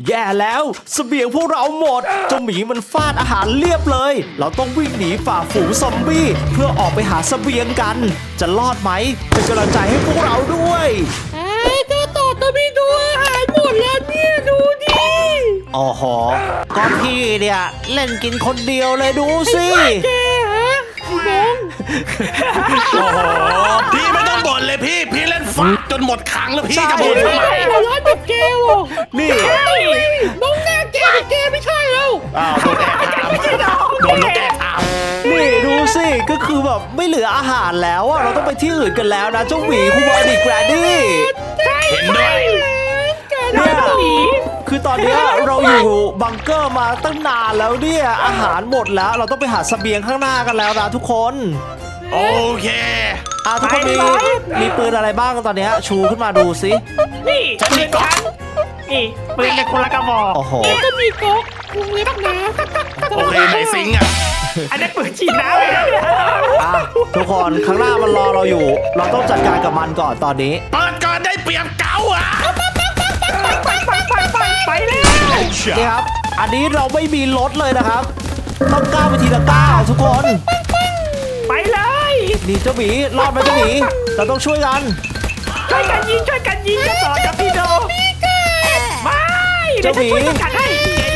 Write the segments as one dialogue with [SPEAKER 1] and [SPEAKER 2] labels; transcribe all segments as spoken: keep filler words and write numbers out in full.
[SPEAKER 1] แย่แล้วเสบียงพวกเราหมดเจ้าหมีมันฟาดอาหารเรียบเลยเราต้องวิ่งหนีฝ่าฝูงซอมบี้เพื่อออกไปหาเสบียงกันจะรอดไหมเป็นกำลังใจให้พวกเราด้วย
[SPEAKER 2] ไอ้เจ้าต่อตะบีดูอาหารหมดแล้วเนี่ยดูดิ
[SPEAKER 1] อ๋อหอก็พี่เนี่ยเล่นกินคนเดียวเลยดูสิ
[SPEAKER 2] แกฮะน้อง
[SPEAKER 3] โอ้โหพี่ไม่ต้องบ่นเลยพี่พี่เล่นฟักจนหมดขังแล้วพี่จะบ่นทำไม
[SPEAKER 2] หัวร้อนแบบแกหรอ
[SPEAKER 1] นี่
[SPEAKER 2] น้องหน้าแกแกไม่ใช่แล้ว
[SPEAKER 3] อ้าวโดนแอบถามโดนลูกแอบถาม
[SPEAKER 1] นี่ดูสิก็คือแบบไม่เหลืออาหารแล้วอะเราต้องไปที่อื่นกันแล้วนะเจ้าหมีคุณบอดี้แกรนดี้
[SPEAKER 3] เห็นด้วย
[SPEAKER 1] เนี่ยคือตอนนี้เราอยู่บังเกอร์มาตั้งนานแล้วเนี่ยอาหารหมดแล้วเราต้องไปหาเสบียงข้างหน้ากันแล้วนะทุกคน
[SPEAKER 3] โอเค
[SPEAKER 1] อ่ะทุกคนมีมีปืนอะไรบ้างตอนนี้ชูขึ้นมาดูสิ
[SPEAKER 4] นี่ปืนฉันนี่ปืนในคนละกระบอก
[SPEAKER 1] โอ้โห
[SPEAKER 2] ก็มีก๊อกวงเล็บนะ
[SPEAKER 3] โอเคไหนซิงอ่ะ
[SPEAKER 4] อันนี้ปืนฉีดน้ำเลยนะเนี่ย
[SPEAKER 1] อ่ะทุกคนข้างหน้ามันรอเราอยู่เราต้องจัดการกับมันก่อนตอนนี้
[SPEAKER 3] เปิดก่อนได้เปรียบเก่าอ่ะ
[SPEAKER 4] ไปไปไปไปไปเลย
[SPEAKER 1] นี่ครับอันนี้เราไม่มีรถเลยนะครับต้องก้าวไปทีละก้าวทุกคน
[SPEAKER 4] ไปเลย
[SPEAKER 1] นี่เจ้าหมีรอดไหมเจ้าหมีเราต้องช่วยกัน
[SPEAKER 4] ช่วยกันยิงช่วยกันยิงจะต่อจะพี่โดไม่เดี๋ยวจะช่วยกันให้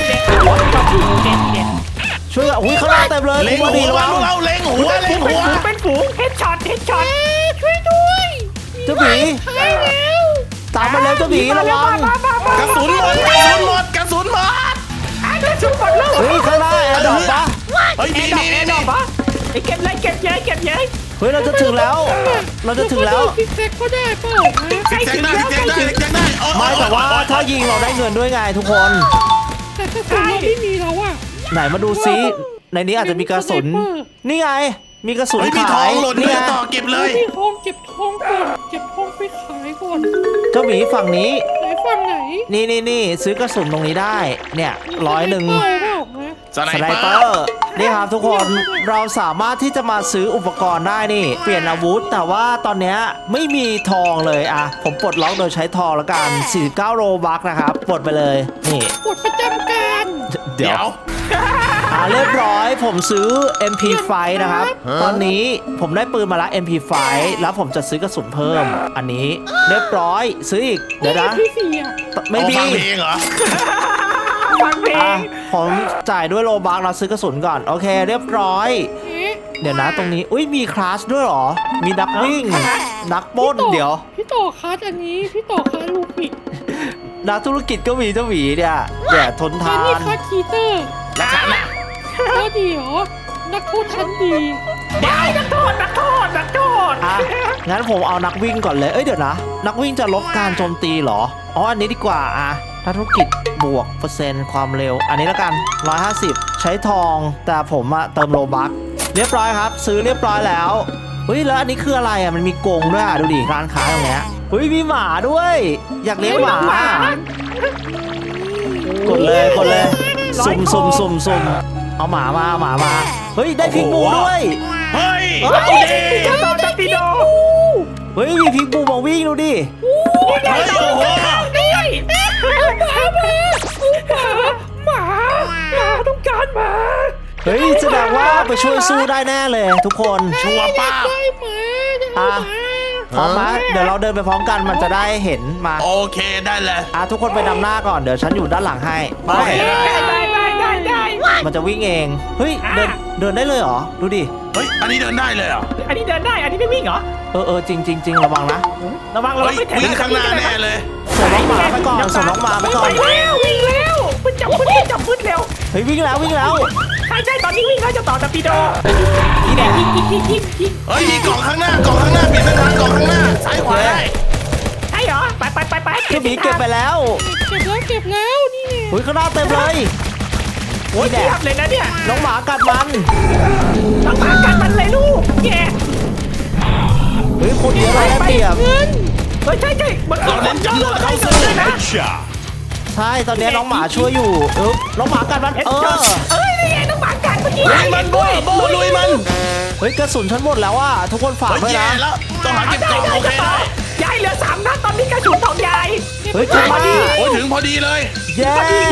[SPEAKER 1] ช่วยกันอุ้ยข้างหน้าเต็มเลย
[SPEAKER 3] เล็งหัวเราเล็งหัวเล็งหัว
[SPEAKER 4] เป็นฝูงเฮดช็อตเฮดช็อต
[SPEAKER 2] ช่วยด้วย
[SPEAKER 1] เจ้าหมีตามมาแล้วเจ้าหมีระวัง
[SPEAKER 3] กระสุนหมดกระสุนหมดกระสุนหมด
[SPEAKER 4] กระสุนหมดแล้ว
[SPEAKER 1] เฮ้ยข้างหน้าแอร์ดรอปปะ
[SPEAKER 3] เฮ้ยมีมีมี
[SPEAKER 4] ปะไอ้เก็บเลยเก็บเยอะเก็บเยอะ
[SPEAKER 1] เฮ้ยเราจะถึงแล้วเราจะถึงแล้ว
[SPEAKER 2] ซิกแซกก็ได้เปล่า
[SPEAKER 3] ซิกแซกได้ซิกแซกได้ซิกแซกได้
[SPEAKER 1] ไม่แต่ว่าถ้ายิงเราได้เงินด้วยไงทุกคน
[SPEAKER 2] แต่กระสุนเราไม่มีแล้วอะ
[SPEAKER 1] ไหนมาดูซิในนี้อาจจะมีกระสุนนี่ไงมีกระสุน
[SPEAKER 3] ขายนี่ต่อเก็บเลย
[SPEAKER 2] มีทองเก็บทองก่อนเก็บทองไปขายก่อน
[SPEAKER 1] เจ้าหมีฝั่งนี้
[SPEAKER 2] ไหนฝั่งไหน
[SPEAKER 1] นี่นี่นี่ซื้อกระสุนตรงนี้ได้เนี่ยร้อยหนึ่ง
[SPEAKER 3] สไนเปอร์
[SPEAKER 1] นี่ครับทุกคนเราสามารถที่จะมาซื้ออุปกรณ์ได้นี่เปลี่ยนอาวุธแต่ว่าตอนนี้ไม่มีทองเลยอ่ะผมปลดล็อกโดยใช้ทองแล้วกันสี่สิบเก้าโรบัคนะครับปลดไปเลยนี่
[SPEAKER 2] ปลดประจำการ
[SPEAKER 1] เดี๋ยวอ่าเรียบร้อยผมซื้อ เอ็ม พี ไฟว์ นะครับตอนนี้ผมได้ปืนมาละ เอ็ม พี ไฟว์ แล้วผมจะซื้อกระสุนเพิ่มอันนี้เรียบร้อยซื้ออีกเดี๋ยวนะไม่มี
[SPEAKER 3] ฟังเพลงเหรอ
[SPEAKER 4] ฟังเพลง
[SPEAKER 1] ผมจ่ายด้วยโลบัคเราซื้อกระสุนก่อนโอเคเรียบร้อยเดี๋ยวนะตรงนี้อุ้ยมีคลาสด้วยหรอมีนักวิ่งนักป้นเดี๋ยว
[SPEAKER 2] พี่ต่อคลาสอันนี้พี่ต่อคลาสลูกิก
[SPEAKER 1] นักธุรกิจก็มีเจ้าหวีเนี่ยเดี๋ยวทนทาน
[SPEAKER 2] นี่คลาสคีเตอร์
[SPEAKER 3] แล้วฉันน่ะ
[SPEAKER 2] ก็ดีเหรอนักโทษชั้นดี
[SPEAKER 4] ได้นักโทษนักโทษนักโทษ
[SPEAKER 1] อ่ะงั้นผมเอานักวิ่งก่อนเลยเอ้ยเดี๋ยวนะนักวิ่งจะลดการโจมตีเหรออ๋ออันนี้ดีกว่าอ่ะนักธุรกิจบวกเปอร์เซ็นต์ความเร็วอันนี้แล้วกันหนึ่งร้อยห้าสิบใช้ทองแต่ผมอะเติมโลบัคเรียบร้อยครับซื้อเรียบร้อยแล้วเฮ้ยแล้วอันนี้คืออะไรอะมันมีกรงด้วยอะดูดิร้านค้าตรงเนี้ยเฮ้ยมีหมาด้วยอยากเลี้ยงหมากดเลยกดเลยสุ่มสุ่มสุ่มสุ่มเอาหมามาหมามาเฮ้ยได้พิกบูด้วย
[SPEAKER 3] เฮ้ย
[SPEAKER 4] เอาดิต่อจะพี่โด
[SPEAKER 1] เฮ้ยมีพิกบูมาวิ่งดูดิ
[SPEAKER 3] โอ้โห
[SPEAKER 4] ด้วยหมาหมาหมาหมาต้องการหมา
[SPEAKER 1] เฮ้ยแสดงว่าไปช่วยสู้ได้แน่เลยทุกคน
[SPEAKER 3] ชัวร์ป้า
[SPEAKER 1] อ่ะพร้อมไหมเดี๋ยวเราเดินไปพร้อมกันมันจะได้เห็นมา
[SPEAKER 3] โอเคได้เลย
[SPEAKER 1] อ่ะทุกคนไปนำหน้าก่อนเดี๋ยวฉันอยู่ด้านหลังให้
[SPEAKER 4] ไปได้ได้ได้ได้
[SPEAKER 1] มันจะวิ่งเองเฮ้ยเดินเดินได้เลยเหรอดูดิ
[SPEAKER 3] เฮ้ยอันนี้เดินได้เลยเหรอ
[SPEAKER 4] อันนี้เดินได้อันนี้ไม่วิ่งเหรอ
[SPEAKER 1] เออเออจริงจริงจริงระวังนะ
[SPEAKER 4] ระวังระวังไม่
[SPEAKER 3] วิ่งข้างหน้าแน่เลย
[SPEAKER 1] ส่งน้องหมาไปก่อนส่งน้องหมาไปก่อน
[SPEAKER 4] วิ่งแล้ววิ่งแล้วพึ่งจับพึ่งจับพึ่งเร็ว
[SPEAKER 1] เฮ้ยวิ่งแล้ววิ่งแล้ว
[SPEAKER 4] ใช่ใช่ตอนนี้วิ่งแล้วจะต่อตะปีโดนี่แหละยิงยิงยิงยิงยิง
[SPEAKER 3] เฮ้ยมีกล่องข้างหน้ากล่องข้างหน้าเปลี่ยนเส้นทางกล่องข้างหน้าซ้ายขวาได้
[SPEAKER 4] ใช่เหรอไปไปไปไป
[SPEAKER 1] เก็บเก็บไปแล้ว
[SPEAKER 2] เก็บแล้วเก็บแล้วนี่ไง
[SPEAKER 1] เฮ้ยข้างหน้าเต็มเลย
[SPEAKER 4] โอ้ยเทียบเลยนะเนี่ย
[SPEAKER 1] น้องหมากัดมัน
[SPEAKER 4] น้องหมากัดมันเลยลูกแก
[SPEAKER 1] เฮ้ยคนเยอะเลยเปรียบ
[SPEAKER 4] เฮ้ยใช่ใช่มันเอาเล่นเยอะเขาซื้อเลยนะ
[SPEAKER 1] ใช่ตอนนี้น้องหมาช่วยอยู่เออน้องหมากัดมันเออ
[SPEAKER 4] เอ้ยนี่ไงน้องหมากัดเมื่อกี้
[SPEAKER 3] ลุยมันโบ้โบ้ลุยมัน
[SPEAKER 1] เฮ้ยกระสุนฉันหมดแล้วอ่ะทุกคนฝากไว้นะ
[SPEAKER 3] ต้องหาเก็บกล่องโอเคได้
[SPEAKER 4] ยายเหลือสามนัดตอนนี้กระสุนของยาย
[SPEAKER 1] เฮ้ยถึงพอดี
[SPEAKER 3] โอ้ยถึงพอดีเลย
[SPEAKER 1] เย้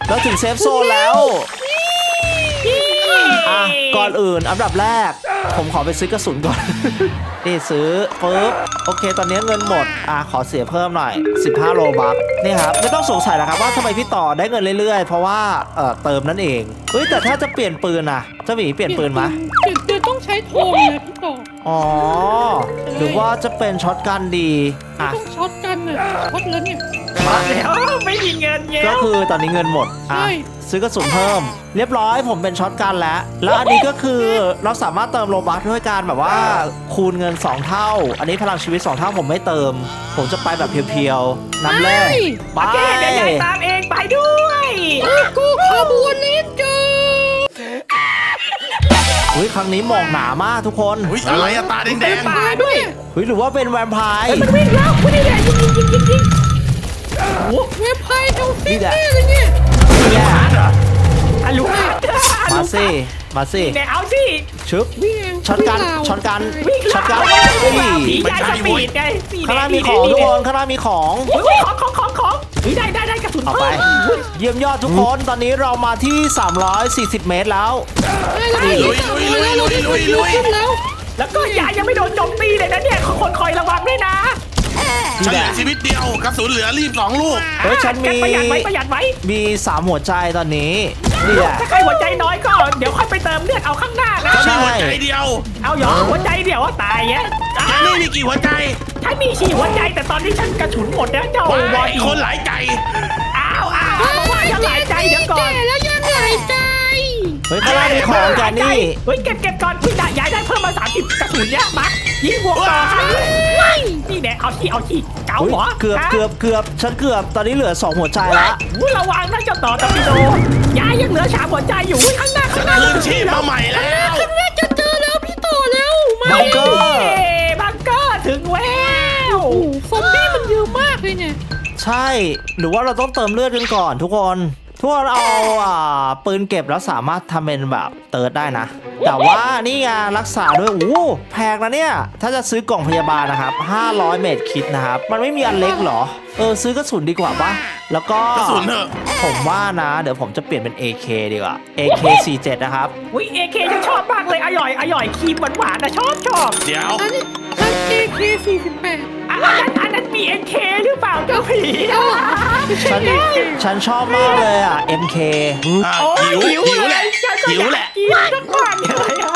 [SPEAKER 1] เราถึงเซฟโซนแล้วอ่ะก่อนอื่นอันดับแรก ผมขอไปซื้อกระสุนก่อน นี่ซื้อปึ๊บโอเคตอนนี้เงินหมดอ่ะขอเสียเพิ่มหน่อยสิบห้าโลบัคนี่ครับไม่ต้องสงสัยนะครับว่าทำไมพี่ต่อได้เงินเรื่อยๆเพราะว่าเอ่อเติมนั่นเองเฮ้ยแต่ถ้าจะเปลี่ยนปืนนะเจ้าหมีเปลี่ยนปืนไหม
[SPEAKER 2] เปลี่ยนปืนต้องใช้ทองนะพี่ต่อ
[SPEAKER 1] อ๋อหรือว่าจะเป็นช็อตกันดีอ่ะ
[SPEAKER 2] ต้องช็อตกันน่ะช็อตแล้วเนี่ย
[SPEAKER 4] มาแล้วไม่มีเงินเงี้ย
[SPEAKER 1] ก็คือตอนนี้เงินหมดอ่ะ
[SPEAKER 2] ใช่
[SPEAKER 1] ซื้อกระสุนเพิ่ม เรียบร้อยผมเป็นช็อตกันแล้ว แล้วอันนี้ก็คือเราสามารถเติมโลบัคด้วยการแบบว่าคูณเงินสองเท่า อันนี้พลังชีวิตสองเท่าผมไม่เติม ผมจะไปแบบเพียวๆน้ำแร่
[SPEAKER 2] ไป
[SPEAKER 1] ไป
[SPEAKER 4] โอเคเดี๋ยวยายตามเองไปด้วย
[SPEAKER 2] กูขบวนนี้เจอ
[SPEAKER 1] อุ้ยครั้งนี้หมอกหนามากทุกคน
[SPEAKER 3] อุ้ยอะไรอะตาแดง
[SPEAKER 2] ตายด้วย
[SPEAKER 1] เฮ้ยหรือว่าเป็นแวมไพร์
[SPEAKER 4] มันวิ่งแล้วคุณนี่แหละยิงยิงยิงยิงยิง
[SPEAKER 2] โอ้เว็บไพร์เท่าซิ
[SPEAKER 1] นี่แหละ
[SPEAKER 2] ตี้เลยเนี่ย
[SPEAKER 1] เนี่ย
[SPEAKER 4] อะลูกค้า
[SPEAKER 1] มาสิมาสิ
[SPEAKER 4] เดี๋ยวเอาสิ
[SPEAKER 1] ชึบ
[SPEAKER 2] วิ่งเอง
[SPEAKER 1] ช็อตกัน
[SPEAKER 2] วิ่งราว
[SPEAKER 1] ช็อตกัน
[SPEAKER 4] วิ่ง
[SPEAKER 1] ช็อตกัน
[SPEAKER 4] ผี
[SPEAKER 1] นี่
[SPEAKER 4] ยายสปีดไงนี่
[SPEAKER 1] ข้างหน้ามีของทุกคนข้างหน้ามีของ
[SPEAKER 4] โอ้ยของของของของเฮ้ยได้ได้ได้กระสุน
[SPEAKER 1] เอา
[SPEAKER 4] เพิ่
[SPEAKER 1] ไป
[SPEAKER 4] ม
[SPEAKER 1] เยี่ยมยอดทุกคน ตอนนี้เรามาที่ สามร้อยสี่สิบ เมตรแล้ว
[SPEAKER 2] ได้แล้ว
[SPEAKER 3] ลุยลุยลุยลุยลุยลุย
[SPEAKER 2] ขึ้นแล้ว
[SPEAKER 4] แล้วก็ยายยังไม่โดนโจมตีเลยนะเนี่ยคนคอยระวังด้วยนะ
[SPEAKER 3] ๆฉันเหลือชีวิตเดียวกระสุนเหลือรีบสองลูก
[SPEAKER 1] เฮ้ยฉันมี
[SPEAKER 4] ประหยัดไว้ประหยัดไว้
[SPEAKER 1] มีสามหัวใจตอนนี้นี่แหละ
[SPEAKER 4] ถ้าใครหัวใจน้อยก็เดี๋ยวค่อยไปเติมเลือดเอาข้างหน้านะ
[SPEAKER 3] ฉันมีหัวใจเดียว
[SPEAKER 4] เอาเหรอหัวใจเดี๋ยวว่าตายเนี่ย
[SPEAKER 3] แกนี่มีกี่หัวใจ
[SPEAKER 4] ฉันมีฉี่หัวใจแต่ตอนนี้ฉันกระสุนหมดแล้วเจ้า
[SPEAKER 3] ว้า
[SPEAKER 4] บอย
[SPEAKER 3] ยคนหลายใจ
[SPEAKER 4] อ้าวอ้าวเพราะว่ายังหลายใจเดี๋ยวก่อน
[SPEAKER 2] แก่แล้วยังหลายใจ
[SPEAKER 1] เฮ้ยข้างล่างมีของแกนี่
[SPEAKER 4] เฮ้ยเก็บเก็บก่อนพี่ได้ยายได้เพิ่มมาสามสิบกระสุนเนี่ยมายิงบวกต่อครับนี่แน่เอาที่เอาที่เก๋า
[SPEAKER 1] เฮ้ย
[SPEAKER 4] หัว
[SPEAKER 1] เกือบเกือบเกือบฉันเกือบตอนนี้เหลือสองหัวใจละ
[SPEAKER 4] อุ้ยระวังนะเจ้าต่อตะปิโดยายยังเหลือสามหัวใจอยู่อุ้ยข้างหน้าข้างหน้า
[SPEAKER 3] คืนชีพมาใหม่แล้ว
[SPEAKER 2] ข้างหน้าจะเจอแล้วพี่ต่อแล้วมา
[SPEAKER 1] บังเกอร์
[SPEAKER 4] เอ้บังเกอร์ถึงแล้ว
[SPEAKER 2] โอ้โหซอมบี้มันเยอะมากเลยเนี่ย
[SPEAKER 1] ใช่ หรือว่าเราต้องเติมเลือดกันก่อนทุกคน ทุกคนเอาอ่าปืนเก็บแล้วสามารถทำเป็นแบบเติร์ดได้นะ แต่ว่านี่ไงรักษาด้วยโอ้แพงนะเนี่ย ถ้าจะซื้อกล่องพยาบาลนะครับห้าร้อยเมตรคิดนะครับ มันไม่มีอันเล็กเหรอ เออซื้อกระสุนดีกว่าปะแล้วก็
[SPEAKER 3] กระสุนเถอะ
[SPEAKER 1] ผมว่านะ เดี๋ยวผมจะเปลี่ยนเป็น เอ เค ดีกว่า เอ เค สี่สิบเจ็ด นะครับ
[SPEAKER 4] อุ้ยเอเคฉันชอบมากเลยอร่อยอร่อยครีมหวานๆนะชอบชอบ
[SPEAKER 3] เดี๋ยว
[SPEAKER 2] อันนี้อัน เอ เค สี่สิบแปด
[SPEAKER 4] อันนั้นอันนั้นมีเอ็นเคหรือเปล่าเจ้าผี
[SPEAKER 1] ฉันฉันชอบมากเลยอ่ะ เอ็ม เค
[SPEAKER 3] อ่ะ
[SPEAKER 4] โอ้ย
[SPEAKER 3] หิวหิวแหละ
[SPEAKER 4] ฉันก็
[SPEAKER 3] หิว
[SPEAKER 4] อยาก
[SPEAKER 3] แหละ
[SPEAKER 4] กินสักวันเลยอะ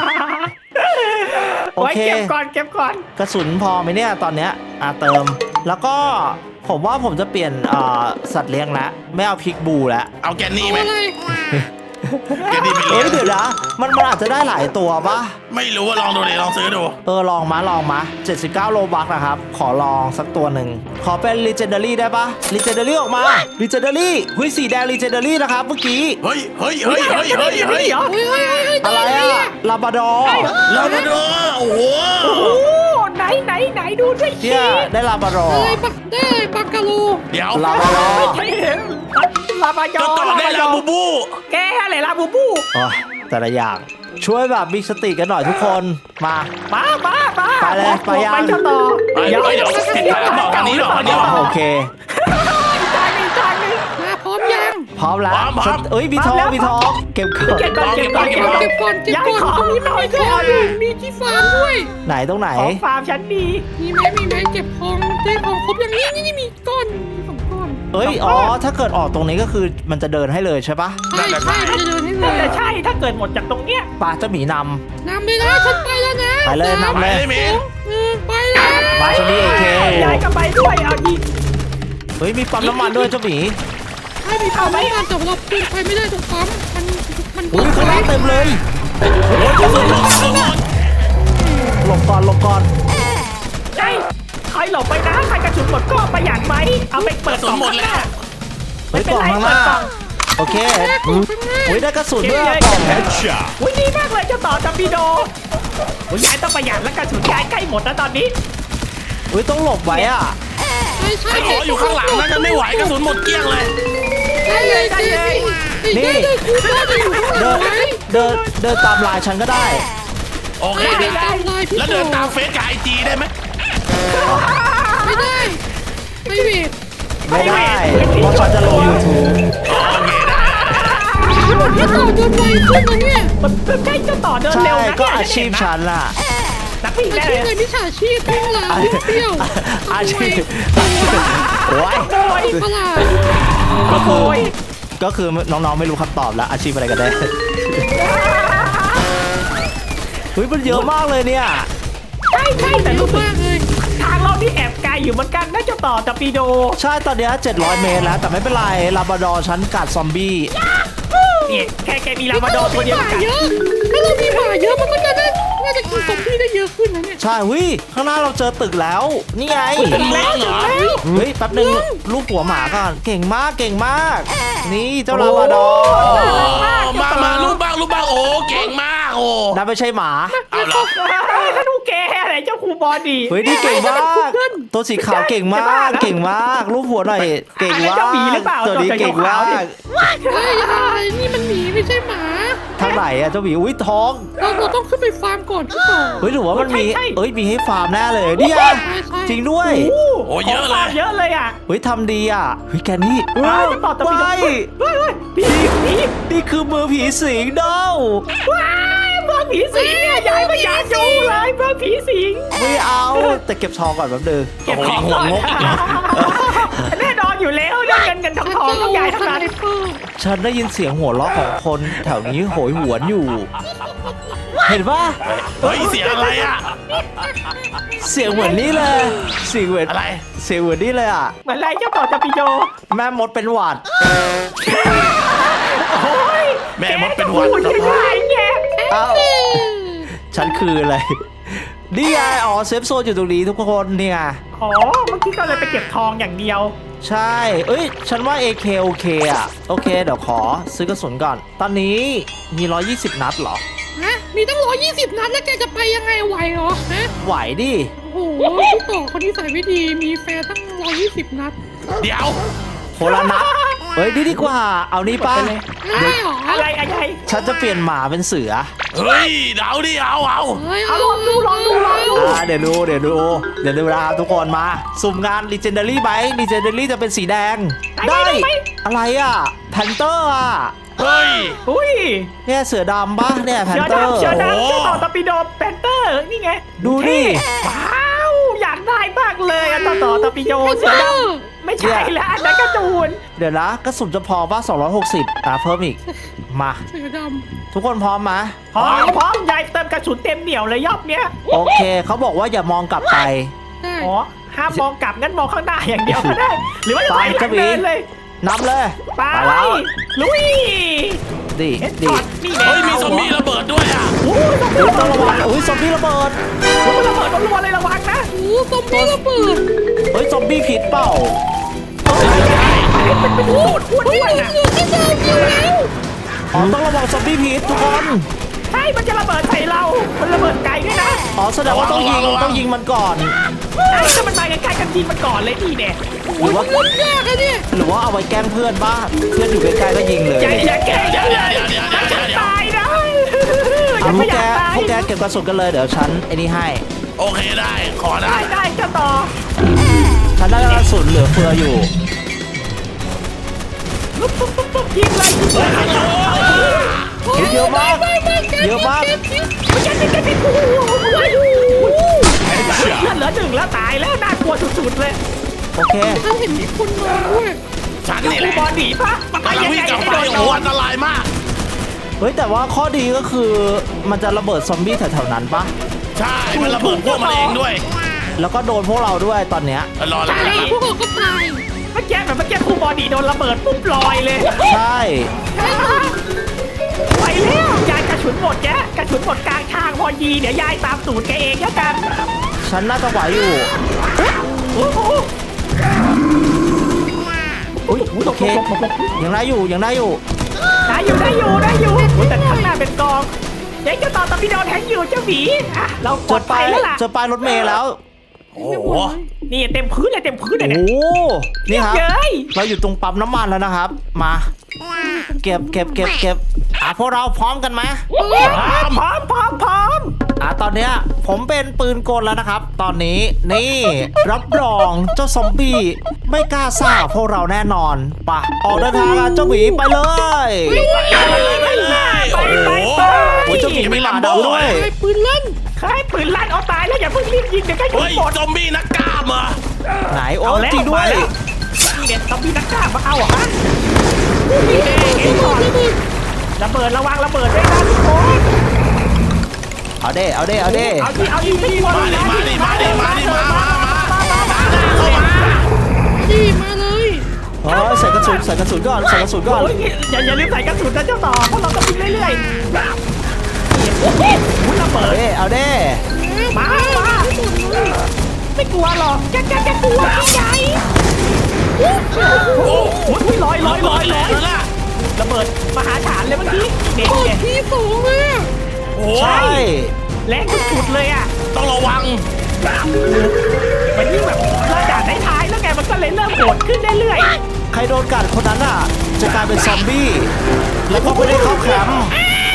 [SPEAKER 1] โอ
[SPEAKER 4] ไว้
[SPEAKER 1] เค
[SPEAKER 4] เก็บก่อนเก็บก่อน
[SPEAKER 1] กระสุนพอไหมเนี่ยตอนเนี้ยอ่ะเติม แล้วก็ผมว่าผมจะเปลี่ยนเอ่อสัตว์เลี้ยงละไม่เอาพิกบูละ
[SPEAKER 3] เอาแกนนี่ไหม
[SPEAKER 2] อะไร
[SPEAKER 3] แกนนี่ไป
[SPEAKER 1] เอ้
[SPEAKER 3] เลี้
[SPEAKER 1] ย
[SPEAKER 3] ยง
[SPEAKER 1] เดี๋ยวนะมันมันอาจจะได้หลายตัวปะ
[SPEAKER 3] ไม่รู้ว่าลองดูเลยลองซื้อดู
[SPEAKER 1] เออลองมาลองมาเจ็ดสิบเก้าโลบักนะครับ ขอลองสักตัวหนึ่ง ขอเป็น Legendary ได้ปะ Legendary ออกมา Legendary เฮ้ยสีแดง Legendary นะครับเมื่อกี้
[SPEAKER 3] เฮ้ยเฮ้ยเฮ้ยเฮ้ยเฮ้ยเฮ้ย
[SPEAKER 4] เหรอ
[SPEAKER 2] เฮ้ยเฮ้ยเฮ้ยเฮ้ย
[SPEAKER 1] อะไรอะลาบาดอร์
[SPEAKER 3] ลาบราดอร์โอ้โห
[SPEAKER 4] โอ้โหไหนไหนไหนดูด้วย
[SPEAKER 1] เนี่ยได้ลาบาดอ
[SPEAKER 2] อะ
[SPEAKER 1] ร์
[SPEAKER 2] ไรบักได้บักกะโล
[SPEAKER 3] เดี๋ยว
[SPEAKER 1] ลาบาดอร์
[SPEAKER 4] ไม่ใช่เห็นลาบายอ
[SPEAKER 3] ก็ต่อได้ลาบูบู
[SPEAKER 4] แกอะไรลาบูบู
[SPEAKER 1] โอ้ยแต่ละอย่าง ช่วยแบบมีสติกันหน่อยทุกคนมา
[SPEAKER 4] มามามา
[SPEAKER 1] ไปเลยไปยัง
[SPEAKER 4] ไปเจ้าต่อ
[SPEAKER 3] ไปเดี๋ยวเดี๋ยวติดตามบอกทางนี้หรอทางนี้หรอ
[SPEAKER 1] โอเค
[SPEAKER 4] จานหนึ่งจานหนึ่ง
[SPEAKER 2] มาพร้อมยัง
[SPEAKER 1] พร้อมแล้ว
[SPEAKER 3] พร้อมพร้อม
[SPEAKER 1] เอ้ยมีทอง
[SPEAKER 4] พร้อมแล้ว
[SPEAKER 1] มีทองเก็บก่อน
[SPEAKER 4] เก็บก่อนเก็บก่อนเก็บก่อน
[SPEAKER 2] เก็บก่อนเก็บก่อน
[SPEAKER 4] ย้ายของ
[SPEAKER 2] ตรงนี้
[SPEAKER 4] หน่อย
[SPEAKER 2] มีของอยู่มีที่ฟาร์มด้วย
[SPEAKER 1] ไหนตรงไหน
[SPEAKER 4] ของฟาร์มฉันดี
[SPEAKER 2] มีไหมมีไหมเก็บของได้ของครบอย่างนี้นี่นี่มีก้อนมีสองก้อน
[SPEAKER 1] เอ้ยอ๋อถ้าเกิดออกตรงนี้ก็คือมันจะเดินให้เลยใช่ปะ
[SPEAKER 2] ใช่ใช่มันจะเดินให้เล
[SPEAKER 4] น่าย จะใช่ถ้าเกิดหมดจากตรงเนี้ย
[SPEAKER 1] ปลาเจ้าหมีน
[SPEAKER 2] นำไปนะฉันไปแล้วนะ
[SPEAKER 1] ไปเลยนำ
[SPEAKER 3] ไปเลยเมน
[SPEAKER 2] เออไปแล้ว
[SPEAKER 1] ำปลาชนิดเอเค
[SPEAKER 4] ย้ายกันไปด้วยเอาดี
[SPEAKER 1] เฮ้ยมีปั๊มน้ำมันด้วยเจ้าหมี
[SPEAKER 2] ใช่มีปั๊มน้ำมันแต่เราปีนไปไม่ได้ตรงปั๊มมันมัน
[SPEAKER 1] อุ้ยข้างล่างเต็มเลย
[SPEAKER 3] กระสุนหมดกระสุนหมด
[SPEAKER 1] หลบก่อนหลบก่อน
[SPEAKER 4] ใช่ใครหลบไปนะใครกระสุนหมดก็ประหยัดไว้เอาไปเปิดกล่องข้างหน้า
[SPEAKER 1] เฮ้ยกล่องข้างหน้าโอเค
[SPEAKER 2] แรกของข้างหน้า
[SPEAKER 1] อุ้ยได้กระสุนด้วย
[SPEAKER 4] เก็
[SPEAKER 1] อะ
[SPEAKER 4] บ
[SPEAKER 1] กล่อง
[SPEAKER 4] เลย อุ้ยดีมากเลยเจ้าต่อจัมปีโดโอ้ยยายต้องประหยัดแล้วกระสุนยายใกล้หมดแล้วตอนนี้
[SPEAKER 1] อุ้ยต้องหลบไว้อ่ะ
[SPEAKER 2] ใช่ใช่
[SPEAKER 3] ไอ้ขออยู่ข้างหลังนะฉันไม่ไหวกระสุนหมดเกลี้ยงเลย
[SPEAKER 2] ได้เลยได้เลยได้เลยครูก็จะอยู่ข้างหลั
[SPEAKER 1] เดิ
[SPEAKER 2] ง
[SPEAKER 1] น
[SPEAKER 2] ไว้
[SPEAKER 1] เดินเดินตามลายฉันก็ได้
[SPEAKER 3] โอเค
[SPEAKER 2] เดินตามลายพี่
[SPEAKER 3] แล้ว
[SPEAKER 2] โต
[SPEAKER 3] เดินตามเฟซกับไอจีได้ไหม
[SPEAKER 2] ไม่ได้ไม่เวท
[SPEAKER 1] ไม่ได้เพราะฉันจะลง YouTube
[SPEAKER 3] โอเคได้
[SPEAKER 2] ดินไวขึ้นนะเนี่ย
[SPEAKER 4] มันมันใช่เจ้าต่อเดิน
[SPEAKER 1] ใช่
[SPEAKER 4] เร็วนะ
[SPEAKER 1] ก็
[SPEAKER 4] เนี่ย
[SPEAKER 1] อาชีพฉันล่ะ
[SPEAKER 4] นักวิ่ง
[SPEAKER 2] อา
[SPEAKER 4] ได้
[SPEAKER 2] ชี
[SPEAKER 4] เล
[SPEAKER 2] พ
[SPEAKER 4] ย
[SPEAKER 2] เงินที่ฉาชีพทั้งหลายเปรี้ยว
[SPEAKER 1] อาชีพโอ้ย
[SPEAKER 4] โอ้ย
[SPEAKER 2] ประหลาด
[SPEAKER 1] ก็คือ
[SPEAKER 4] โอ้ย
[SPEAKER 1] ก็คือน้องๆไม่รู้คำตอบแล้วอาชีพอะไรกันแน่เฮ้ยมันเยอะมากเลยเนี่ย
[SPEAKER 4] ใช่ใช่แต่
[SPEAKER 2] เย
[SPEAKER 4] รู้
[SPEAKER 2] อะ
[SPEAKER 4] สึก
[SPEAKER 2] มากเลย
[SPEAKER 4] ทางเรานี่แอบไกลอยู่เหมือนกันน่าจะต่อจะปีโด
[SPEAKER 1] ใช่ตอนเนี้ยเจ็ดร้อยเมตรแล้วแต่ไม่เป็นไรลาบราดอร์ฉันกัดซอมบี้
[SPEAKER 4] เนี่ยแค่แกมีลาบราดอร์ตัวเดียว
[SPEAKER 2] หมา
[SPEAKER 4] กัน
[SPEAKER 2] เยอะถ้าเรามีหมาเยอะมันก็จะได้น่าจะกินซอมบี้ได้เยอะขึ้นนะเนี่ย
[SPEAKER 1] ใช่วิข้างหน้าเราเจอตึกแล้ว นี่ไง
[SPEAKER 3] เป็นเมืองเหรอ
[SPEAKER 1] เฮ้ยแป๊บนึงลูกหัวหมาก่อนเก่งมากเก่งมาก นี่เจ้าลาบราดอร์
[SPEAKER 3] มามาลูกบ้างลูกบ้างโอ้เก่งมากโอ้
[SPEAKER 1] นั่นไม่ใช่หมา
[SPEAKER 3] เอาเหรอ
[SPEAKER 4] ถ้าดูแกอะไรเจ้าครูบอดี
[SPEAKER 1] เฮ้ยนี่เก่งมาก ตัวสีขาวเก่งมาก เก่งมากรูปหัวหน่อยเก่งมากตัวนี้เก่งมาก
[SPEAKER 2] เฮ้ยอะไรนี่มันหมีไม่ใช่หมา
[SPEAKER 1] ทางไหนอะเจ้าหมีอุ้ยท้อง
[SPEAKER 2] เราเราต้องขึ้นไปฟาร์มก่อนใช่ป่ะ
[SPEAKER 1] เฮ้ยหรือว่ามันมีเอ้ยมีให้ฟาร์มแน่เลยนี่ไงจริงด้วย
[SPEAKER 3] โอ้เยอะเลย
[SPEAKER 4] เยอะเลยอ่ะ
[SPEAKER 1] เฮ้ยทำดีอ่ะเฮ้ยแกนี่
[SPEAKER 4] ว้าวจะต่อจะปีโด
[SPEAKER 1] ว้าย
[SPEAKER 4] เฮ้ยเฮ้ยผีผี
[SPEAKER 1] นี่คือมือผีสิงเด้า
[SPEAKER 4] ว้ายเพื่อผีสิงเนี่ยย้ายมาอยากดูเลยเพื่อผีสิง
[SPEAKER 1] ไม่เอาแต่เก็บทองก่อนแป๊บนึง
[SPEAKER 4] เก็บของก่อนแน่นอนอยู่แล้วเรื่องเงินเงินทองทองต้องย้ายทั้งนั้น
[SPEAKER 1] ฉันได้ยินเสียงหัวเราะของคนแถวนี้โหยหวนอยู่ เห็นปะ
[SPEAKER 3] เฮ้ยเสียงอะไรอ่ะ
[SPEAKER 1] เสียงเหมือนนี่เลยเสียงเหมือน
[SPEAKER 3] อะไร
[SPEAKER 1] เสียงเหมือนนี่เลยอ่ะ
[SPEAKER 4] เหมือนไรเจ้าต่อจะปีโด
[SPEAKER 1] แม่มดเป็นหวัด
[SPEAKER 4] โอ้ย
[SPEAKER 3] แม่มดเป็นหวัด
[SPEAKER 4] แกจะพูดยังไงเนี่ย
[SPEAKER 1] เอ้าฉันคืออะไรนี่ไงอ๋อเซฟโซนอยู่ตรงนี้ทุกคนเนี่ย
[SPEAKER 4] อ๋อเมื่อกี้ก็เลยไปเก็บทองอย่างเดียว
[SPEAKER 1] ใช่ เอ้ย ฉันว่า เอ เค โอเคอะโอเค เดี๋ยวขอซื้อกระสุนก่อน ตอนนี้มี หนึ่งร้อยยี่สิบ นัดเหรอ
[SPEAKER 2] ฮะมีตั้งร้อยยี่สิบนัดแล้วแกจะไปยังไงไหวเหรอฮะ
[SPEAKER 1] ไหวดิ
[SPEAKER 2] โอ้โหพี่ต่อคนที่ใส่ไม่ดีมีแฟนตั้งร้อยยี่สิบนัด
[SPEAKER 3] เดี๋ยว
[SPEAKER 1] โคนละนัด เฮ้ยนี่ดีกว่า เอานี่ป่ะ
[SPEAKER 2] ได้เหรอ
[SPEAKER 4] อะไรอะไร
[SPEAKER 1] ฉันจะเปลี่ยนหมาเป็นเสือ
[SPEAKER 3] เฮ้ยเดาดิเอาเอา
[SPEAKER 2] เฮ้ย
[SPEAKER 4] เอาลองดูลองดูลองดู
[SPEAKER 1] อ่า เดี๋ยวดู เดี๋ยวดู เดี๋ยวดูนะครับทุกคนมา สุ่มงาน Legendary ไหม Legendary จะเป็นสีแดง ได้ อะไรอะแพนเตอร์อะ
[SPEAKER 3] เฮ้ย
[SPEAKER 4] อุ้ย
[SPEAKER 1] เนี่ยเสือดำป่ะเนี่ยแพน
[SPEAKER 4] เชือ
[SPEAKER 1] เตอร์
[SPEAKER 4] ดำเชือดำ
[SPEAKER 3] โอ้
[SPEAKER 4] เจ้าต่อตะปีโดแพนเตอร์นี่ไง
[SPEAKER 1] ดูดิ
[SPEAKER 4] ว้าวอยากได้มากเลยอะต่อต่อตะปีโดเสือดำไม่ใช่แล้วอันนั้นการ์ตูน
[SPEAKER 1] เดี๋ยวนะกระสุนจะพอป่ะสองร้อยหกสิบอ่ะเพิ่มอีก มา
[SPEAKER 2] เสือด
[SPEAKER 1] ทุกคนพร้อมไหม
[SPEAKER 4] พร้อมพร้อมยายเติมกระสุนเต็มเหนียวเลยยอบเนี้ย
[SPEAKER 1] โอเค เขาบอกว่าอย่ามองกลับไป
[SPEAKER 2] ำได้
[SPEAKER 4] อ๋อห้ามมองกลับงั้นมองข้างหน้าอย่างเดียวก็ได้ หรือว่าจะถอยหลังเดินเลย
[SPEAKER 1] นำเลย
[SPEAKER 4] ไป
[SPEAKER 1] แล้ว
[SPEAKER 4] ลุย
[SPEAKER 1] ดี
[SPEAKER 4] เอ็ด
[SPEAKER 1] ดี
[SPEAKER 4] ช็อตนี่แน่
[SPEAKER 3] เฮ้ยมีซอมบี้ระเบิดด้วยอ่ะ
[SPEAKER 4] โอ้ยต้อง
[SPEAKER 1] เฮ้ยต้องระวังอุ้ยซอมบี้ระเบิด
[SPEAKER 4] ระเบิดต้องระวังเลยระวังนะ
[SPEAKER 2] โอ้ซอมบี้ระเบิด
[SPEAKER 1] เฮ้ยซอมบี้ผิดเปล่า
[SPEAKER 4] เป็นเป็นพูดพูด
[SPEAKER 2] เฮ้ย
[SPEAKER 4] ด้วย
[SPEAKER 2] เหลื
[SPEAKER 4] นะ
[SPEAKER 2] ออยู่ที่เดิมอยู่แล้ว
[SPEAKER 1] อ๋อต้องระวังซอมบี้ผิดทุกคน
[SPEAKER 4] ใช่มันจะระเบิดใส่เรา มันระเบิดไกลด้วยนะ
[SPEAKER 1] อ๋อแสดงว่าต้องยิงต้องยิงมันก่อน
[SPEAKER 4] ใช่ถ้ามันมาใกล้ๆกันยิงมันก่อนเลยนี่เนี่ย
[SPEAKER 1] หรือว่า
[SPEAKER 2] เล่นยากอะเนี่ย
[SPEAKER 1] หรือว่าเอาไว้แกล้งเพื่อนบ้างเพื่อนอยู่ใกล้ๆก็ยิงเลย
[SPEAKER 4] อย่าอย่าแกล้ง
[SPEAKER 3] เดี๋ยว
[SPEAKER 4] เล
[SPEAKER 3] เดี๋ยวย เดี๋ยวเดี๋ยวเดี๋ยวเดี๋ยว
[SPEAKER 4] ตายนะ
[SPEAKER 1] เอาพวกแก
[SPEAKER 4] อยาตาย
[SPEAKER 1] พวกแกเก็บกระสุนกันเลยเดี๋ยวฉันไอ้นี่ให้
[SPEAKER 3] โอเคได้ขอได้
[SPEAKER 4] ได้ได้เจ้าต่อ
[SPEAKER 1] ฉันได้กระสุนเหลือเฟืออยู่
[SPEAKER 4] ปุ๊บปุ๊บปุ๊บปุ๊บยิงเลยยิงเลย
[SPEAKER 1] เฮ้ยเยอะมาก เยอะมาก
[SPEAKER 4] มันจะจะจะโอ้โหเลือดเหลือหนึ่งแล้วตายแล้วน่ากลัวสุดๆเลย
[SPEAKER 1] โอเค
[SPEAKER 2] ฉันเห็นมีคนมาด้วย
[SPEAKER 3] ฉัน
[SPEAKER 4] แล้ว
[SPEAKER 3] นี่แห
[SPEAKER 4] ครู
[SPEAKER 3] ละ
[SPEAKER 4] บอลหนีปะมันไป
[SPEAKER 3] กำลัง
[SPEAKER 4] ยัง
[SPEAKER 3] วิ่
[SPEAKER 4] ไง
[SPEAKER 3] งกลับ
[SPEAKER 4] ให้
[SPEAKER 3] ไป
[SPEAKER 4] โดน
[SPEAKER 3] โอ้โหอันตรายมาก
[SPEAKER 1] เฮ้ยแต่ว่าข้อดีก็คือมันจะระเบิดซอมบี้แถวๆนั้นปะ
[SPEAKER 3] ใช่ มันระเบิดพวกมันเองด้วย
[SPEAKER 1] แล้วก็โดนพวกเราด้วยตอนเนี้ย
[SPEAKER 3] รอแล้ว
[SPEAKER 2] ใช่พวกเราก็ตาย
[SPEAKER 4] เมื่อกี้แบบเมื่อกี้ครูบอลหนีโดนระเบิดปุ๊บลอยเลย
[SPEAKER 1] ใช่
[SPEAKER 4] ไปแล้วยายกระสุนหมดแกกระสุนหมดกลางทางพอยีเดี๋ยวยายตามสูตรแกเองแล้วกัน
[SPEAKER 1] ฉันน่าจะไหวอยู่
[SPEAKER 4] โอ้โห
[SPEAKER 1] อุ้ยโอเคยังได้อยู่ยังได้อยู่
[SPEAKER 4] ได้อยู่ได้อยู่ได้อยู่โอ้ยแต่ข้างหน้าเป็นกองเดี๋ยวจะต่อตะพีโดนแทงอยู่เจ้าหมีอ่ะเราป
[SPEAKER 1] เจ
[SPEAKER 4] ลอ
[SPEAKER 1] อ
[SPEAKER 4] ด
[SPEAKER 1] ป้า
[SPEAKER 4] ภัย
[SPEAKER 1] ย
[SPEAKER 4] แล้วล่ะ
[SPEAKER 1] เจอป้ายรถเมล์แล้ว
[SPEAKER 3] โอ้โห
[SPEAKER 4] นี่เต็มพื้นเลยเต็มพื้นเลย
[SPEAKER 1] โอ้
[SPEAKER 4] เนี่ย
[SPEAKER 1] โหนี่ครับ
[SPEAKER 4] เย้ย
[SPEAKER 1] เราอยู่ตรงปั๊มน้ำมันแล้วนะครับ มา เก็บเก็บเก็บเก็บอ่ะพวกเราพร้อมกันไหม
[SPEAKER 4] พร้อมพร้อมพร้อมพร้อม
[SPEAKER 1] อ่ะตอนเนี้ยผมเป็นปืนกลแล้วนะครับ ตอนนี้นี่รับรองเจ้าซอมบี้ไม่กล้าซ่าพวกเราแน่นอนไปะออกเดินทางกันเจ้าหมีไปเลย
[SPEAKER 3] ไปเลยไปเลย
[SPEAKER 4] ไปไป
[SPEAKER 1] โอ้ยเจ้าหมีมีหมาดำด้วย
[SPEAKER 2] ไอ้ปืนลั่น
[SPEAKER 4] ใครปืนลั่นเอาตายแล้วอย่าเพิ่งรีบยิงเดี๋ยวใกล้ยิ
[SPEAKER 3] เฮ้
[SPEAKER 4] ง
[SPEAKER 3] ย
[SPEAKER 4] หมด
[SPEAKER 3] ซอมบี้นักกล้ามเหรอ
[SPEAKER 1] ไหนโอ้
[SPEAKER 4] เอาแล้ว
[SPEAKER 1] จริงด้วย
[SPEAKER 4] มาแล้ว นี่เนี่ยต้องมีนักกล้ามาเอาเหรอฮะนี่เองเองก่อนระเบิดระวังระเบิดด้วยนะทุกคน
[SPEAKER 1] เอาเด้เอาเด้เอาเด้
[SPEAKER 4] เอาดิเอาดิไม่กลัว
[SPEAKER 3] มาดิมาดิมาดิมาดิมามามามาเข้ามา
[SPEAKER 2] นี่มาเลย
[SPEAKER 1] เฮ้ยใส่กระสุนใส่กระสุนก่อนใส่กระสุนก่อน
[SPEAKER 4] โอ้ยอย่าอย่าลืมใส่กระสุนนะเจ้าต่อเพราะเราต้องยิงเรื่อยๆนี่โอ้โหระ
[SPEAKER 1] เอา
[SPEAKER 4] เบิด
[SPEAKER 1] เด้เอาเด้
[SPEAKER 4] มามาไม่กลัวหรอกแกแกแกกลัวพี่ใหญ่โอ้โหลอยลอยลอยลอย
[SPEAKER 3] แล้วล่ะ
[SPEAKER 4] ระเบิดมหาฐานเลยเมื่อกี้เด็ก
[SPEAKER 2] กด
[SPEAKER 4] เนี่ย
[SPEAKER 2] ทีสองเลย
[SPEAKER 3] โอ้
[SPEAKER 1] ใช่
[SPEAKER 3] ย
[SPEAKER 4] แรงสุดๆเลยอ่ะ
[SPEAKER 3] ต้องระวัง
[SPEAKER 4] มันยิ่งแบบระดับท้ายๆแล้วแกมันก็เลยเริ่มโหดขึ้นเรื่อย
[SPEAKER 1] ใครโดนกัดคนนั้นอ่ะ จะกลายเป็นซอมบี้ แล้วก็ไม่ได้เข้าแคมป์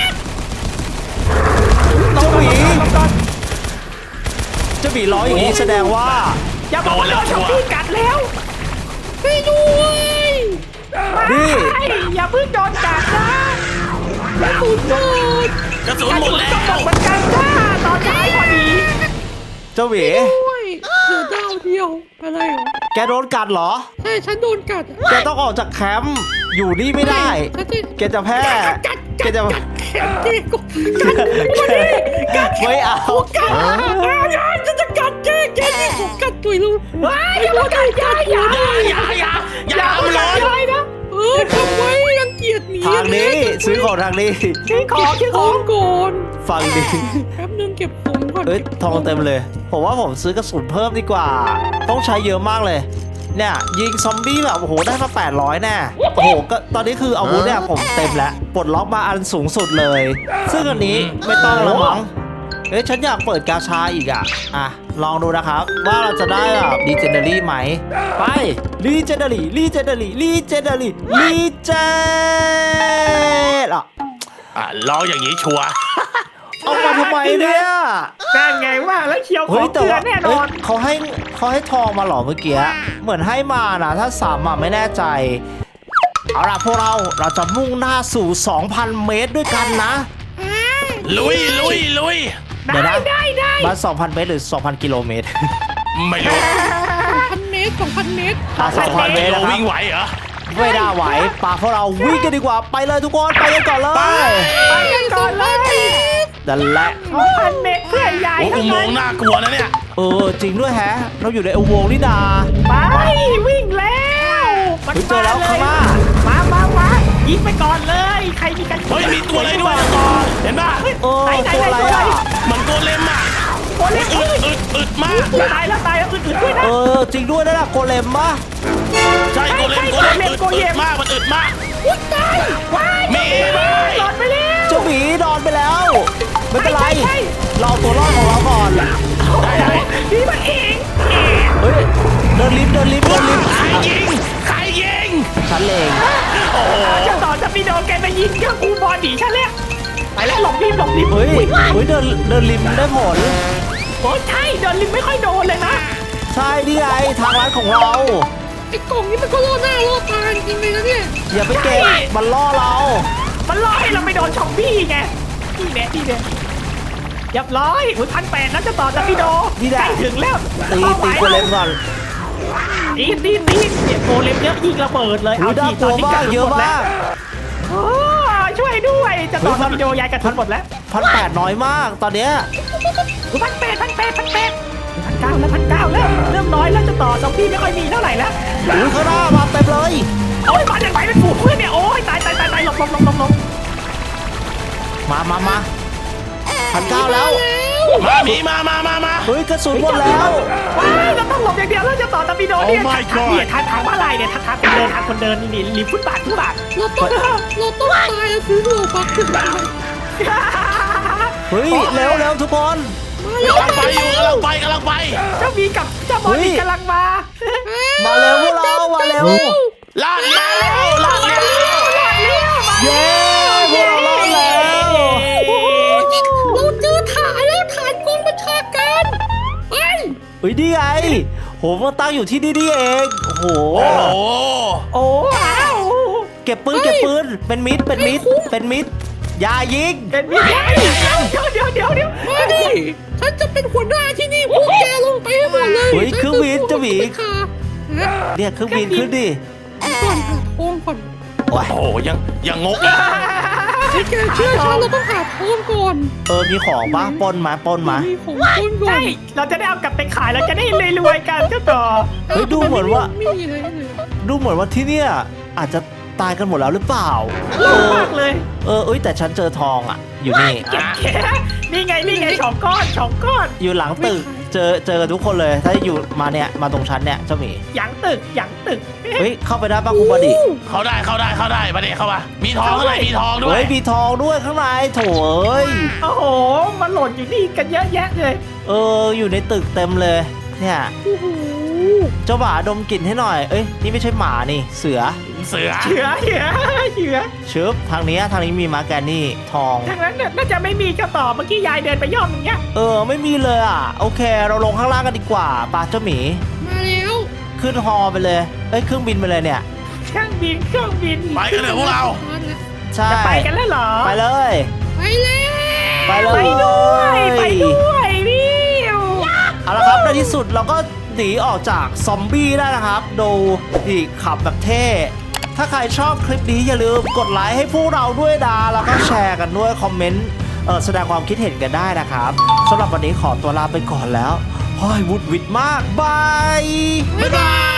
[SPEAKER 4] ๆ
[SPEAKER 1] เจ้าหมี
[SPEAKER 4] ลงก่อน
[SPEAKER 1] เจ้าหมีร้อยอย่างนี้แสดงว่า
[SPEAKER 4] อย่าบอกว่าโดนช็อปปี้กัดแล้ว
[SPEAKER 2] ให้ด้วย
[SPEAKER 1] นี่
[SPEAKER 4] ไม่อย่าเพิ่งโดนกัดนะ
[SPEAKER 2] สุดยอด
[SPEAKER 3] กระสุนหมดแล้
[SPEAKER 4] ก็บอ
[SPEAKER 3] ว
[SPEAKER 4] กเหมือนกันจ้าตอนท้ายพอดี
[SPEAKER 1] เจ้าหมี
[SPEAKER 2] ด้วยเหลือดาวเดียวอะไรเหรอ
[SPEAKER 1] แกโดนกัดเหรอ
[SPEAKER 2] ใช่ฉันโดนกัด
[SPEAKER 1] แกต้องออกจากแคมป์ อยู่นี่ไม่ได้
[SPEAKER 2] ฉันจะ
[SPEAKER 1] แกจะแพ้
[SPEAKER 2] กัด
[SPEAKER 1] แก
[SPEAKER 2] กัด
[SPEAKER 1] จะ
[SPEAKER 2] กัดแขนแกก็กัด
[SPEAKER 1] ไม่เอา
[SPEAKER 2] กัดอ่าฉันจะกัดแกแกนี่ผมกัดตัวลูก
[SPEAKER 4] ว้ายอย่ามากัดอย่าอย่า
[SPEAKER 3] อย่าอย่าอย่า
[SPEAKER 4] อย่า
[SPEAKER 3] ทำเล
[SPEAKER 4] กัด
[SPEAKER 3] ย
[SPEAKER 4] เลยนะ
[SPEAKER 2] เออทำไว้รังเกียจหมี
[SPEAKER 1] ทางนี้ซื้อของทางนี้
[SPEAKER 4] ชื่อของชื่อ
[SPEAKER 2] ข
[SPEAKER 4] ข
[SPEAKER 2] อ
[SPEAKER 4] อง
[SPEAKER 2] งก่อน
[SPEAKER 1] ฟังดี
[SPEAKER 2] แป๊บนึงเก็บของก่อน
[SPEAKER 1] เอ้ยทองเต็มเลย ผมว่าผมซื้อกระสุนเพิ่มดีกว่า ต้องใช้เยอะมากเลย เนี่ยยิงซอมบี้แบบโอ้โหได้มาแปดร้อยแน่โอ้โหก็ตอนนี้คืออาวุธเนี่ยผมเต็มแล้วปลดล็อกมาอันสูงสุดเลย ซึ่งอันนี้ไม่ต้องแล้วมั้งเอ้ยฉันอยากเปิดกาชาอีกอ่ะอ่ะลองดูนะครับ ว่าเราจะได้แบบดีเจเนอรี่ไหมไปรีเจเนอรี่รีเจเนอรี่รีเจเนอรี่รีเจอ่ะ
[SPEAKER 3] อ่ะลองอย่างนี้ชัวร์
[SPEAKER 1] เอามาทำไมเนี่ย
[SPEAKER 4] นั่นไงว่าแล้วเคียวข
[SPEAKER 1] เฮ้
[SPEAKER 4] อย ง
[SPEAKER 1] แต่
[SPEAKER 4] เกลือ
[SPEAKER 1] ว่า
[SPEAKER 4] แน่น
[SPEAKER 1] เอ้
[SPEAKER 4] อย น
[SPEAKER 1] เขาให้เขาให้ทองมาเหรอเมื่อกี้เหมือนให้มานะถ้าสามอ่ะไม่แน่ใจ เอาล่ะพวกเราเราจะมุ่งหน้าสู่ สองพัน เมตรด้วยกันนะ
[SPEAKER 3] ลุยลุยลุย
[SPEAKER 1] เดี๋ยว
[SPEAKER 4] ได้
[SPEAKER 1] นะ
[SPEAKER 4] ได้ได้
[SPEAKER 1] มา สองพัน เมตรหรือ สองพัน กิโลเมตร
[SPEAKER 3] ไม่รู้
[SPEAKER 2] พันเมตรสองพันเมตร
[SPEAKER 1] อ่ะ2,000 เมตร
[SPEAKER 3] เรา
[SPEAKER 1] นะครับ
[SPEAKER 3] วิ่งไหวเหรอ
[SPEAKER 1] ไม่ได้ไหวปาพวกเราวิ่งกันดีกว่าไปเลยทุกคนไปกันก่อนเลย
[SPEAKER 3] ไป
[SPEAKER 4] ไปกันก่อนเลย
[SPEAKER 1] นั่นแหละ
[SPEAKER 4] สองพันเมตรเพื่อใหญ่
[SPEAKER 3] โอ้อุ
[SPEAKER 4] ทั้ง
[SPEAKER 3] โม
[SPEAKER 4] นั้
[SPEAKER 3] ง
[SPEAKER 4] น
[SPEAKER 3] ค์น่ากลัวนะเนี่ย
[SPEAKER 1] เออจริงด้วยแฮะ เราอยู่ในอุโมงค์นี่นา
[SPEAKER 4] ไปวิ่งแล้วมัน
[SPEAKER 1] เฮ้ยเจอแล้วข้างหน้า
[SPEAKER 4] มามามายิงไปก่อนเลย ใครมีกัน
[SPEAKER 3] เฮ้ยมีตัวอะไรด้วยนะตอนเห็นป่ะ
[SPEAKER 1] เออ
[SPEAKER 4] ไหนไหน
[SPEAKER 1] ตัว
[SPEAKER 4] ไหน
[SPEAKER 1] อะไร
[SPEAKER 4] ตัวไหน
[SPEAKER 1] อ่ะ
[SPEAKER 3] เหมันโกเลมอ่ะ
[SPEAKER 4] โอ้เล็ก
[SPEAKER 3] อึดอึดอึดมาก
[SPEAKER 4] ตายแล้วตายแล้วอื่นๆด้วยนะ
[SPEAKER 1] เออจริงด้วยนะโกเลมปะ
[SPEAKER 3] ใช่โกเลมโกเลมอึดอึดมากมันอึดมาก
[SPEAKER 4] อุ้ยตายว้าย
[SPEAKER 3] มีไหม
[SPEAKER 4] หลอดไปแล้ว
[SPEAKER 1] เจ้าหมีนอนไปแล้ว ไม่เป็นไร
[SPEAKER 4] ใช่ใช่
[SPEAKER 1] เราเอาตัวรอดของเราก่อน
[SPEAKER 3] ได้ได้
[SPEAKER 4] นี่มันเองเอง
[SPEAKER 1] เฮ้ยเดินลิฟต์เดินลิฟต์เดินลิฟต์
[SPEAKER 3] ใคร
[SPEAKER 1] อ่ะ
[SPEAKER 3] ยิงใครยิง
[SPEAKER 1] ฉันเอง
[SPEAKER 3] โอ้โห
[SPEAKER 4] จะต่อจะพี่โดนแกไปยิงก็กูบอดีฉันแล้วไปแล้วหลบรีบหลบรีบ
[SPEAKER 1] เฮ้ยเฮ้ยเดินเดินลิฟต์ได้ผล
[SPEAKER 4] โอ้ใช่เดินริมไม่ค่อยโดนเลยนะ
[SPEAKER 1] ใช่นี่ไงทางร้านของเรา
[SPEAKER 2] ไอ้กล่องนี้มันก็ล่อหน้าล่อตาจริงๆเลยนะเนี่ย
[SPEAKER 1] อย่าไปเก่งมันล่อเรา
[SPEAKER 4] มันล่อให้เราไปโดนชอมบี้ไงนี่แน่นี่แน่เรียบร้อยอุ้ยพันแปดแล้วจะต่อจะพี่โดใกล้ถึงแล้ว
[SPEAKER 1] ตีตีโกเลมก่อน
[SPEAKER 4] ตีตีตีเนี่ยโกเลมเยอะยิงระเบิดเลย
[SPEAKER 1] หูน่ากลัวมากเยอะมาก
[SPEAKER 4] โอ้ช่วยด้วยจะต่อจะพี่โดยายกระทุนหมดแล้ว
[SPEAKER 1] พันแปดน้อยมากตอนเนี้ย
[SPEAKER 4] พันแปดพันแปดพันแปดพันเก้าแล้วพันเก้าแล้วเริ่มน้อยแล้วจะต่อซอมบี้ไม่ค่อยมีเท่าไหร่แล้ว
[SPEAKER 1] อุ้ยข้างหน้ามาเต็มเลย
[SPEAKER 4] โอ้ยมาจากไหนเป็นฝูงเพื่อนเนี่ยโอ้ยตายตายตายตายหลบหลบหลบหลบหลบ
[SPEAKER 1] มามามาพันเก้าแล้ว
[SPEAKER 3] มาหมีมามามามา
[SPEAKER 1] เฮ้ยกระสุนหมดแล้ว
[SPEAKER 4] ว้ายเราต้องหลบอย่างเดียวแล้วจะต่อตะปีโดเนี่ย
[SPEAKER 3] Oh my
[SPEAKER 4] ทาง
[SPEAKER 3] God
[SPEAKER 4] เนี่ยทางทางมาลายเนี่ยทางทางคนเดินทางคนเดินนี่ริมฟุตบาทฟุตบาท
[SPEAKER 2] เราต้องเราต้องตายแล้วซื้อโลบักขึ้นมา
[SPEAKER 1] เฮ้ยเร็วเร็วทุกคน
[SPEAKER 3] กำลังไปอยู่กำลังไปกำลังไป
[SPEAKER 4] เจ้ามีกับเจ้าบอลนี่กำลังมา
[SPEAKER 1] มาเร็วพวกเรามาเร็ว
[SPEAKER 3] ลาดแล้วลาดแล้ว
[SPEAKER 1] เย้พวกเรารอดแล้ว
[SPEAKER 2] เราเจอฐานแล้วฐานกองบัญชาการไป
[SPEAKER 1] เฮ้ยนี่ไงโหมันตั้งอยู่ที่นี่นี่เองโอ้โห
[SPEAKER 3] โอ้โห
[SPEAKER 4] โอ้ว้าว
[SPEAKER 1] เก็บปืนเก็บปืนเป็นมิดเป็นมิดเป็นมิดอย่ายิง
[SPEAKER 4] เอ็นบีเดี๋ยวเดี๋ยวเดี๋ยวเดี๋ยว
[SPEAKER 2] มาดิฉันจะเป็นหัวหน้าที่นี่พวกแกลงไปให้หมดเลย
[SPEAKER 1] เฮ้ยเครื่องบินเจ้าหมี
[SPEAKER 2] ค่ะนะ
[SPEAKER 1] เรียกเครื่องบินขึ้นดิ
[SPEAKER 2] ก่อนหาทองก่อน
[SPEAKER 1] โอ้ย
[SPEAKER 3] โอ้โหยังยังงกอีก
[SPEAKER 2] ให้แกเชื่อฉันเราต้องหาทองก่อน
[SPEAKER 1] เออมีของปะปล้นมาปล้นมา
[SPEAKER 2] มีของต้นก่อ
[SPEAKER 4] ใช่
[SPEAKER 2] น
[SPEAKER 4] เราจะได้เอากลับไปขายเราจะได้รวยๆกันเจ้าต่อ
[SPEAKER 1] เฮ้ยดูเหมือนว่า
[SPEAKER 2] ไม่มีอะไรเลย
[SPEAKER 1] ดูเหมือนว่าที่เนี่ยอาจจะตายกันหมดแล้วหรือเปล่า เออ
[SPEAKER 4] มากเลย
[SPEAKER 1] เออเอ้ยแต่ฉันเจอทองอ่ะ อยู่นี่
[SPEAKER 4] เก็บแค่นี่ไงนี่ไงสองก้อนสองก้อน
[SPEAKER 1] อยู่หลังตึก เจอเจอกันทุกคนเลย ถ้าอยู่มาเนี่ยมาตรงชั้นเนี่ยเจ้าหมี
[SPEAKER 4] หยังตึกหยังตึก
[SPEAKER 1] เฮ้ยเข้าไปได้ปะคุณบอดี
[SPEAKER 3] เข้าได้เข้าได้เข้าได้มาเด็เข้ามามีทองข้างในมีทองด้ว
[SPEAKER 1] เฮ้
[SPEAKER 3] ย
[SPEAKER 1] ยมีทองด้วยข้างในโถเอ้ย
[SPEAKER 4] โอ้โหมันหล่นอยู่นี่กันเยอะแยะเลย
[SPEAKER 1] เอออยู่ในตึกเต็มเลย เนี่ย
[SPEAKER 2] โอ้โห
[SPEAKER 1] เจ้าหมาดมกลิ่นให้หน่อย เอ้ยนี่ไม่ใช่หมานี่เสือ
[SPEAKER 3] เสือ
[SPEAKER 4] เชือเชือเชือ
[SPEAKER 1] ชึบทางนี้ทางนี้มีมาแกนนี่ทอง
[SPEAKER 4] ทางนั้นน่ะน่าจะไม่มีเจ้าต่อเมื่อกี้ยายเดินไปย่อมอย่างเงี้ย
[SPEAKER 1] เออไม่มีเลยอ่ะ โอเค เราลงข้างล่างกันดีกว่าปลาเจ้าหมี
[SPEAKER 2] มาแล้ว
[SPEAKER 1] ขึ้นฮอไปเลย เอ้ยเครื่องบินไปเลยเนี่ย
[SPEAKER 4] เครื่องบินเครื่องบิน
[SPEAKER 3] ไปกันเถอะพวกเรา
[SPEAKER 2] มาแล้ว
[SPEAKER 1] ใช่
[SPEAKER 4] จะไปกันแล้วเหรอ
[SPEAKER 1] ไปเลย
[SPEAKER 2] ไปแล้ว
[SPEAKER 1] ไปเลย
[SPEAKER 4] ไปด้วยไปด้วยวิว
[SPEAKER 1] เอาละครับในที่สุดเราก็หนีออกจากซอมบี้ได้นะครับ ดูดิขับแบบเท่ ถ้าใครชอบคลิปนี้อย่าลืมกดไลค์ให้พวกเราด้วยนะแล้วก็แชร์กันด้วยคอมเมนต์เออแสดงความคิดเห็นกันได้นะครับสำหรับวันนี้ขอตัวลาไปก่อนแล้วห้อยวุดวิดมากบาย
[SPEAKER 3] บ๊ายบาย